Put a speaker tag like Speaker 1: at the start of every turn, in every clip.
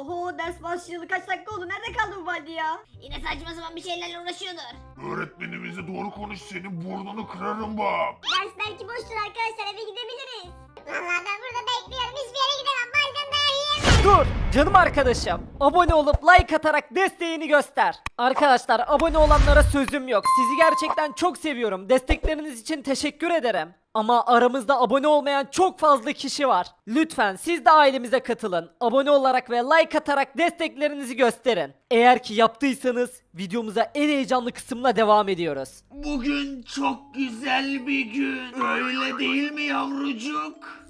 Speaker 1: Oho, ders başlayalı kaç dakika oldu? Nerede kaldı bu Baldi ya?
Speaker 2: Yine saçma sapan bir şeylerle uğraşıyordur.
Speaker 3: Öğretmenimize doğru konuş, senin burnunu kırarım bak.
Speaker 2: Ders belki boştur arkadaşlar, eve gidebiliriz. Vallahi ben burada bekliyorum, hiçbir yere gidemem. Balden dayağı yiyemem.
Speaker 4: Dur canım arkadaşım. Abone olup like atarak desteğini göster. Arkadaşlar abone olanlara sözüm yok. Sizi gerçekten çok seviyorum. Destekleriniz için teşekkür ederim. Ama aramızda abone olmayan çok fazla kişi var. Lütfen siz de ailemize katılın. Abone olarak ve like atarak desteklerinizi gösterin. Eğer ki yaptıysanız videomuza en heyecanlı kısımla devam ediyoruz.
Speaker 3: Bugün çok güzel bir gün. Öyle değil mi yavrucuk?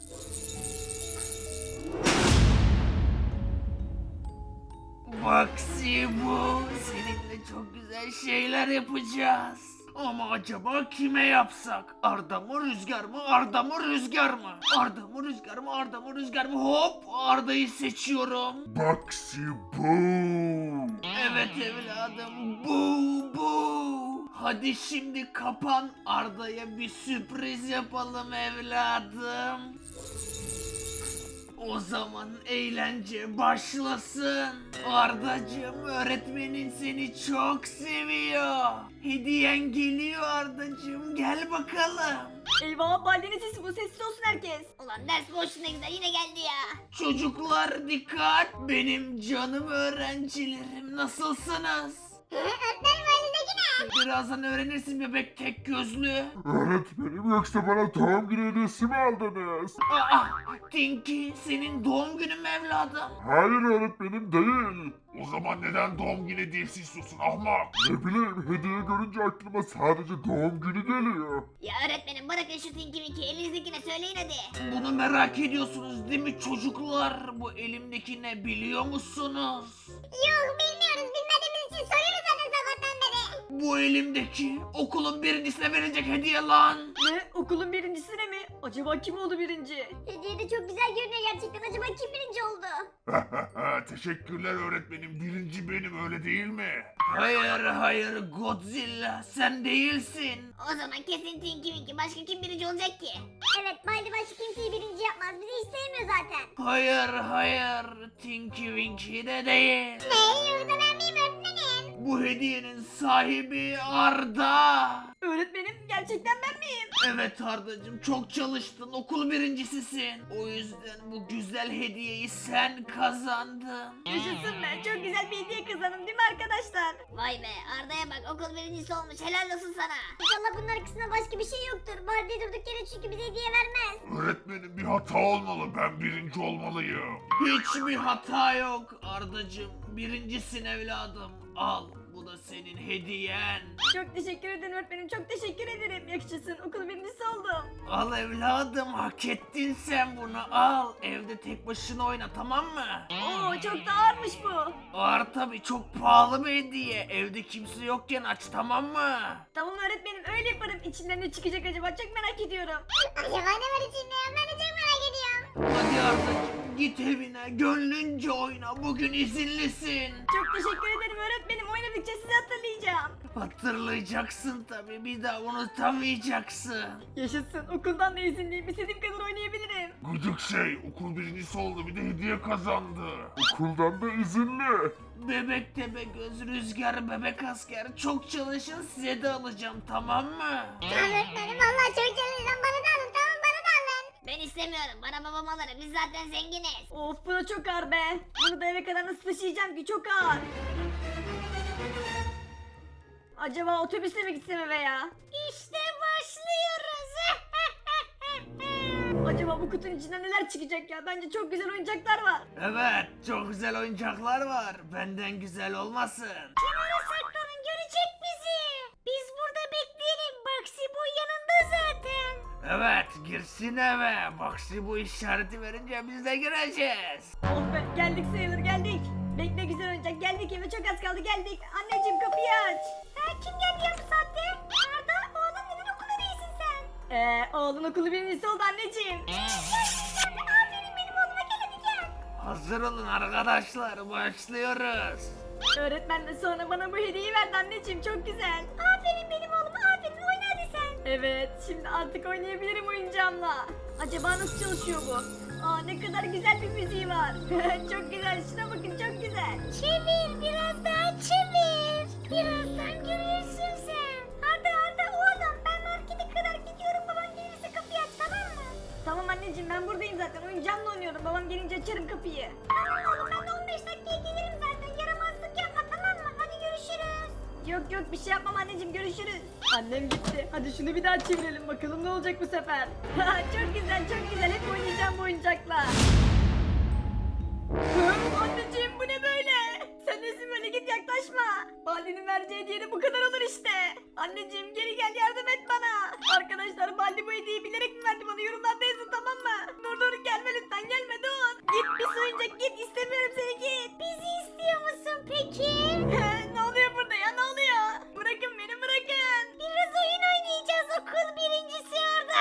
Speaker 3: Baksi bu. Seninle çok güzel şeyler yapacağız. Ama acaba kime yapsak? Arda mı Rüzgar mı? Arda mı Rüzgar mı? Arda mı Rüzgar mı? Arda mı Rüzgar mı? Hop, Arda'yı seçiyorum. Baksi bu. Evet evladım, bu. Hadi şimdi kapan, Arda'ya bir sürpriz yapalım evladım. O zaman eğlence başlasın. Ardacığım, öğretmenin seni çok seviyor. Hediyen geliyor Ardacığım, gel bakalım.
Speaker 1: Eyvah, Baldi'nin sesi bu, sessiz olsun herkes.
Speaker 2: Ulan ders boşluğuna güzel, yine geldi ya.
Speaker 3: Çocuklar dikkat, benim canım öğrencilerim, nasılsınız?
Speaker 2: Öğretmenim önündeki ne?
Speaker 3: Birazdan öğrenirsin bebek tek gözlü.
Speaker 5: Öğretmenim yoksa bana doğum günü hediyesi mi aldınız?
Speaker 3: Aa, Tinky, senin doğum günün mü evladım?
Speaker 5: Hayır öğretmenim değil.
Speaker 3: O zaman neden doğum günü hediyesi istiyorsun ahmak?
Speaker 5: Ne bileyim hediye görünce aklıma sadece doğum günü geliyor.
Speaker 2: Ya öğretmenim bırakın şu Tinky Winky, elinizdekine söyleyin hadi.
Speaker 3: Bunu merak ediyorsunuz değil mi çocuklar? Bu elimdeki ne biliyor musunuz?
Speaker 2: Yok bilmiyoruz, bilmediğimiz için soruyoruz zaten sabahtan beri.
Speaker 3: Bu elimdeki okulun birincisine verecek hediye lan.
Speaker 1: Ne? Okulun birincisine mi? Acaba kim oldu birinci?
Speaker 2: Hediye de çok güzel görünüyor gerçekten, acaba kim birinci oldu?
Speaker 3: Teşekkürler öğretmenim. Birinci benim, öyle değil mi? Hayır Godzilla, sen değilsin.
Speaker 2: O zaman kesin Tinky Winky, başka kim birinci olacak ki? Evet, Baldi başka kimseyi birinci yapmaz, bizi hiç sevmiyor zaten.
Speaker 3: Hayır Tinky Winky de değil.
Speaker 2: Ne, yoksa ben miyim öğretmenim?
Speaker 3: Bu hediyenin sahibi Arda.
Speaker 1: Öğretmenim, gerçekten ben miyim?
Speaker 3: Evet Ardacığım, çok çalıştın, okul birincisisin. O yüzden bu güzel hediyeyi sen kazandın.
Speaker 1: Yaşasın be, çok güzel bir hediye kazandım değil mi arkadaşlar?
Speaker 2: Vay be, Arda'ya bak, okul birincisi olmuş, helal olsun sana. İnşallah bunun arkasında başka bir şey yoktur. Baldi durduk yere çünkü bize hediye vermez.
Speaker 3: Öğretmenim, bir hata olmalı, ben birinci olmalıyım. Hiçbir hata yok Ardacığım, birincisin evladım. Al, bu da senin hediyen.
Speaker 1: Çok teşekkür ederim öğretmenim, çok teşekkür ederim. Yaşasın, okul birincisi oldum.
Speaker 3: Al evladım, hak ettin sen bunu, al. Evde tek başına oyna, tamam mı?
Speaker 1: Oo, çok da ağırmış bu.
Speaker 3: Ağır tabi, çok pahalı bir hediye. Evde kimse yokken aç, tamam mı?
Speaker 1: Tamam öğretmenim, öyle yaparım. İçinden ne çıkacak acaba, çok merak ediyorum.
Speaker 2: Acaba ne var içinde ya, ben de çok merak ediyorum.
Speaker 3: Hadi Ardacığım, git evine, gönlünce oyna, bugün izinlisin.
Speaker 1: Çok teşekkür ederim öğretmenim, oynadıkça sizi hatırlayacağım.
Speaker 3: Hatırlayacaksın tabi, bir daha unutamayacaksın.
Speaker 1: Yaşasın, okuldan da izinliyim, istediğim kadar oynayabilirim.
Speaker 3: Gıcık şey, okul birincisi oldu, bir de hediye kazandı.
Speaker 5: Okuldan da izinli.
Speaker 3: Bebek Tepegöz, Rüzgar, Bebek Asker, çok çalışın, size de alacağım, tamam mı?
Speaker 2: Tamam öğretmenim, valla çok çalışacağım, bana da alın, tamam bana da alın. Ben istemiyorum, bana babam alır, biz zaten zenginiz.
Speaker 1: Of, bu da çok ağır be. Bunu da eve kadar nasıl taşıyacağım ki, çok ağır. Acaba otobüsle mi gitsem eve ya?
Speaker 2: İşte başlıyoruz.
Speaker 1: Acaba bu kutunun içinden neler çıkacak ya? Bence çok güzel oyuncaklar var.
Speaker 3: Evet, çok güzel oyuncaklar var, benden güzel olmasın.
Speaker 2: Kenara saklanın, görecek bizi. Biz burada bekleyelim, Baksi bu yanında zaten.
Speaker 3: Evet, girsin eve, Baksi bu işareti verince biz de gireceğiz.
Speaker 1: Oh be, geldik sayılır, geldik. Bekle güzel oyuncak, geldik eve, çok az kaldı, geldik. Anneciğim kapıyı aç.
Speaker 2: Kim geldi ya bu saatte? Arda, oğlum neden okula değilsin sen?
Speaker 1: Oğlun okulu birincisi oldu anneciğim.
Speaker 2: Aferin benim oğluma, gel hadi gel.
Speaker 3: Hazır olun arkadaşlar, başlıyoruz.
Speaker 1: Öğretmen de sonra bana bu hediyeyi verdi anneciğim, çok güzel.
Speaker 2: Aferin benim oğluma, aferin, oyna hadi sen.
Speaker 1: Evet, şimdi artık oynayabilirim oyuncağımla. Acaba nasıl çalışıyor bu? Aa, ne kadar güzel bir müziği var. Çok güzel, şuna bakın, çok zaten oyuncağımla oynuyorum. Babam gelince açarım kapıyı.
Speaker 2: Tamam oğlum ben de 15 dakikaya gelirim zaten. Yaramazlık yapma tamam mı? Hadi görüşürüz.
Speaker 1: Yok bir şey yapmam anneciğim, görüşürüz. Annem gitti. Hadi şunu bir daha çevirelim bakalım ne olacak bu sefer. Çok güzel hep oynayacağım bu oyuncakla. Anneciğim bu ne böyle? Sen nesin böyle, git yaklaşma. Baldi'nin vereceği hediye de bu kadar olur işte. Anneciğim geri gel, yardım et bana. Arkadaşlar Baldi bu hediyeyi bilerek mi verdi bana, yorumlarda yazın tamam mı? Dur gelme lütfen, gelme dur. Git bir oyuncak git, istemiyorum seni, git.
Speaker 2: Bizi istiyor musun peki?
Speaker 1: Ne oluyor burada ya, ne oluyor? Bırakın beni, bırakın.
Speaker 2: Biraz oyun oynayacağız okul birincisi orada.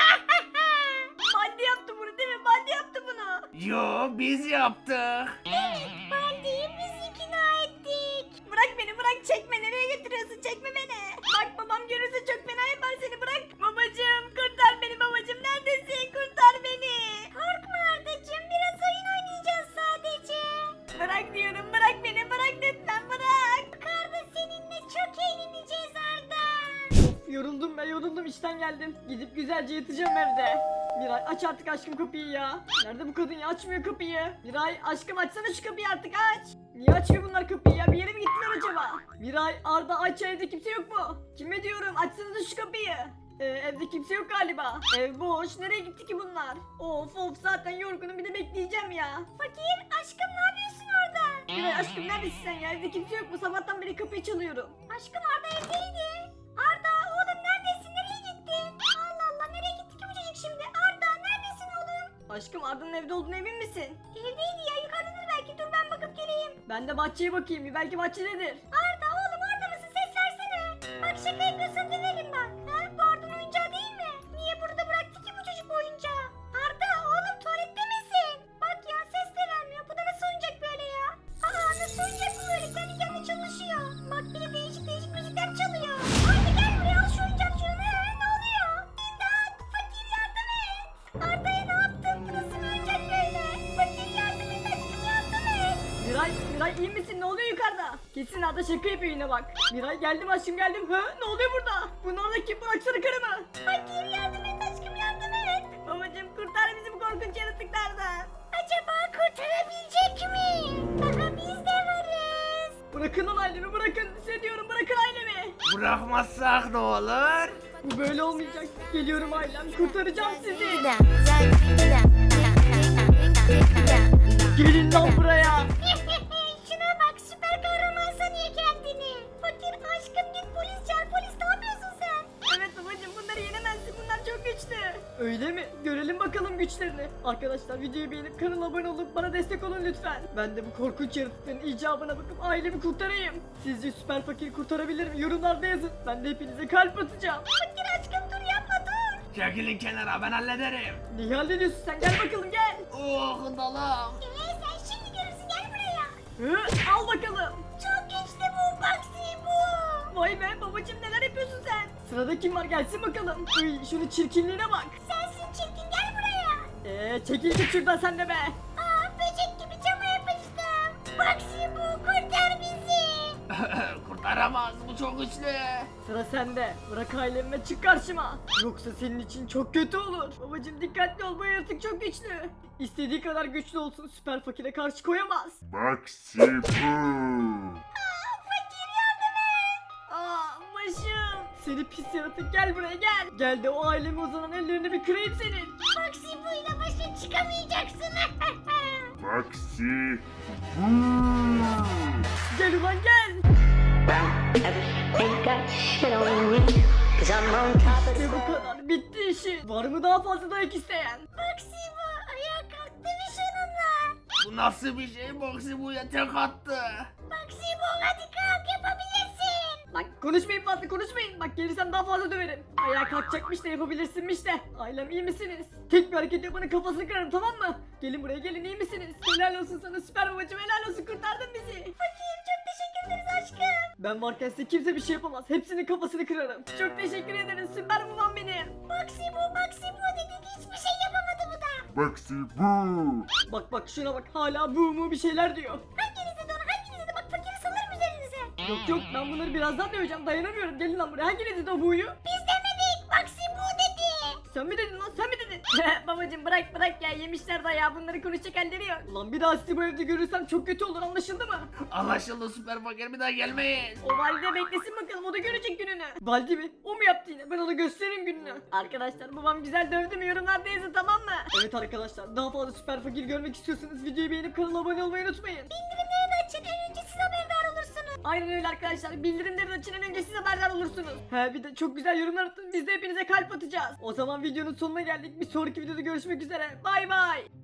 Speaker 1: Baldi yaptı bunu değil mi? Baldi yaptı bunu.
Speaker 3: Yo biz yaptık.
Speaker 2: Baldi'yi biz ikna ettik.
Speaker 1: Bırak beni, bırak, çekme, nereye götürüyorsun, çekme beni. Bak babam görürse çok fena yapar seni, bırak. Babacım kurtar beni, babacım neredesin, kurtar beni.
Speaker 2: Korkma Ardacığım biraz oyun oynayacağız sadece.
Speaker 1: Bırak diyorum, bırak beni, bırak lütfen, bırak.
Speaker 2: Arda seninle çok eğleneceğiz Arda.
Speaker 1: Yoruldum ben, yoruldum, işten geldim. Gidip güzelce yatacağım evde. Miray aç artık aşkım kapıyı ya. Nerede bu kadın ya, açmıyor kapıyı. Miray aşkım açsana şu kapıyı artık, aç. Niye açmıyor bunlar kapıyı ya, bir yere mi gittiler acaba? Miray, Arda aç, evde kimse yok mu? Kime diyorum, açsanıza şu kapıyı. Evde kimse yok galiba. Ev boş, nereye gitti ki bunlar? Of zaten yorgunum, bir de bekleyeceğim ya.
Speaker 2: Fakir aşkım ne yapıyorsun orada?
Speaker 1: Miray aşkım neredesin sen ya, evde kimse yok mu? Sabahtan beri kapıyı çalıyorum.
Speaker 2: Aşkım Arda evdeydi. Arda oğlum neredesin? Nereye gittin? Allah Allah nereye gitti ki bu çocuk şimdi? Arda neredesin oğlum?
Speaker 1: Aşkım Arda'nın evde olduğunu emin misin?
Speaker 2: Evdeydi ya yukarıdadır belki dur ben bakıp geleyim.
Speaker 1: Ben de bahçeye bakayım, bir belki bahçededir.
Speaker 2: Arda oğlum orada mısın? Ses versene. Bak şaka yapıyorsan döverim bak. Ha? Bu Arda'nın oyuncağı değil mi? Niye burada bıraktı ki bu çocuk bu oyuncağı? Arda oğlum tuvalette misin? Bak ya ses de vermiyor. Bu da nasıl oyuncak böyle ya? Aa nasıl oyuncak bu böyle? Kendi kendine çalışıyor. Bak bir de değişik müzikler çalıyor. Arda gel buraya al şu oyuncak şunu. Ne oluyor? İmdat! Fakir yardım et. Arda'ya ne yaptın? Bu nasıl bir oyuncak böyle? Fakir yardım et aşkım yardım et.
Speaker 1: Miray iyi misin? Ne oluyor yukarıda? Kesin Arda şaka yapıyor yine bak. Miray geldim aşkım, geldim. Ne oluyor burada? Bunun orada kim? Bıraksana karımı.
Speaker 2: Fakir yardım et aşkım yardım et.
Speaker 1: Babacım kurtar bizi bu korkunç yaratıklardan.
Speaker 2: Acaba kurtarabilecek mi? Daha biz de varız.
Speaker 1: Bırakın lan ailemi, bırakın. Size diyorum, bırakın ailemi.
Speaker 3: Bırakmazsak ne olur?
Speaker 1: Bu böyle olmayacak. Geliyorum ailem, kurtaracağım sizi. Gelin lan buraya.
Speaker 2: Şuna bak süper kahraman sanıyor kendini. Fakir aşkım git polis çağır polis ne yapıyorsun sen?
Speaker 1: Evet babacım, bunları yenemezsin, bunlar çok güçlü. Öyle mi? Görelim bakalım güçlerini. Arkadaşlar videoyu beğenip kanala abone olup bana destek olun lütfen. Ben de bu korkunç yaratıkların icabına bakıp ailemi kurtarayım. Sizce süper fakiri kurtarabilir mi? Yorumlarda yazın. Ben de hepinize kalp atacağım.
Speaker 2: Fakir aşkım dur yapma dur.
Speaker 3: Çekilin kenara ben hallederim.
Speaker 1: Neyi hallediyorsun sen? Gel bakalım gel.
Speaker 3: Oh dalım.
Speaker 2: Sen şimdi görürsün gel buraya.
Speaker 1: Al bakalım.
Speaker 2: Çok güçlü bu Baxi bu.
Speaker 1: Vay be babacım, neler yapıyorsun sen? Sırada kim var, gelsin bakalım. Uy şunu çirkinliğine bak.
Speaker 2: Sensin çirkin gel buraya.
Speaker 1: Çekil git şuradan sen de be.
Speaker 2: Aa böcek gibi cama yapıştım. Baxi bu kurtar bizi.
Speaker 3: Kurtaramaz bu çok güçlü.
Speaker 1: Sıra sende. Bırak ailemi ve çık karşıma. Yoksa senin için çok kötü olur. Babacım dikkatli ol, bu yaratık çok güçlü. İstediği kadar güçlü olsun, süper fakire karşı koyamaz.
Speaker 5: Maxi Boo.
Speaker 2: Fakir yardım et.
Speaker 1: Başım. Seni pis yaratık, gel buraya gel. Gel de o aileme uzanan ellerini bir kırayım senin.
Speaker 2: Baxi bu ile başa çıkamayacaksın.
Speaker 5: Maxi Boo.
Speaker 1: Gel ulan gel.
Speaker 6: Ain't got shit on me, 'cause I'm on top of the
Speaker 1: Ve bu kadar, bitti işi. Var mı daha fazla dayak isteyen?
Speaker 2: Baxi bu ayağa kalktı mı sonunda?
Speaker 3: Bu nasıl bir şey? Boksi buya tek attı.
Speaker 2: Baxi bu hadi kalk yapabilirsin.
Speaker 1: Bak konuşmayın, fazla konuşmayın. Bak gelirsem daha fazla döverim. Ayağa kalkacakmış da yapabilirsinmiş de. Ailem iyi misiniz? Tek bir hareket yapanın kafasını kırarım, tamam mı? Gelin buraya gelin, iyi misiniz? Helal olsun sana süper babacım, helal olsun, kurtardın bizi.
Speaker 2: Fakir çok teşekkür ederiz aşkım.
Speaker 1: Ben varken size kimse bir şey yapamaz. Hepsinin kafasını kırarım. Çok teşekkür ederim süper babam benim.
Speaker 2: Baxi bu dedik hiçbir şey yapamadı bu da.
Speaker 5: Maxi Boo.
Speaker 1: Bak şuna bak, hala bu mu bir şeyler diyor.
Speaker 2: Hanginize de bak fakiri salarım üzerinize.
Speaker 1: Yok ben bunları birazdan döveceğim, dayanamıyorum. Gelin lan buraya, hanginiz dedi o buyu?
Speaker 2: Biz demedik Baxi bu dedi.
Speaker 1: Sen mi dedin lan, sen mi dedin? gidin. Babacım bırak ya yemişler dayağı bunları konuşacak halleri yok. Ulan bir daha sizi bu evde görürsem çok kötü olur anlaşıldı mı?
Speaker 3: Anlaşıldı süper fakir, bir daha gelmeyiz.
Speaker 1: O valide beklesin bakalım o da görecek gününü. Valide mi? O mu yaptı yine? Ben ona gösteririm gününü. Arkadaşlar babam güzel dövdü mü yorumlarda yazın tamam mı? Evet arkadaşlar daha fazla süper fakir görmek istiyorsanız videoyu beğenip kanala abone olmayı unutmayın.
Speaker 2: Bildirimleri de açın en önce siz haberdar olursunuz.
Speaker 1: Aynen öyle arkadaşlar bildirimleri de açın en önce siz haberdar olursunuz. He bir de çok güzel yorumlar atın biz de hepinize kalp atacağız. O zaman videonun sonuna geldik bir sonraki videoda görüşmek üzere bay bay.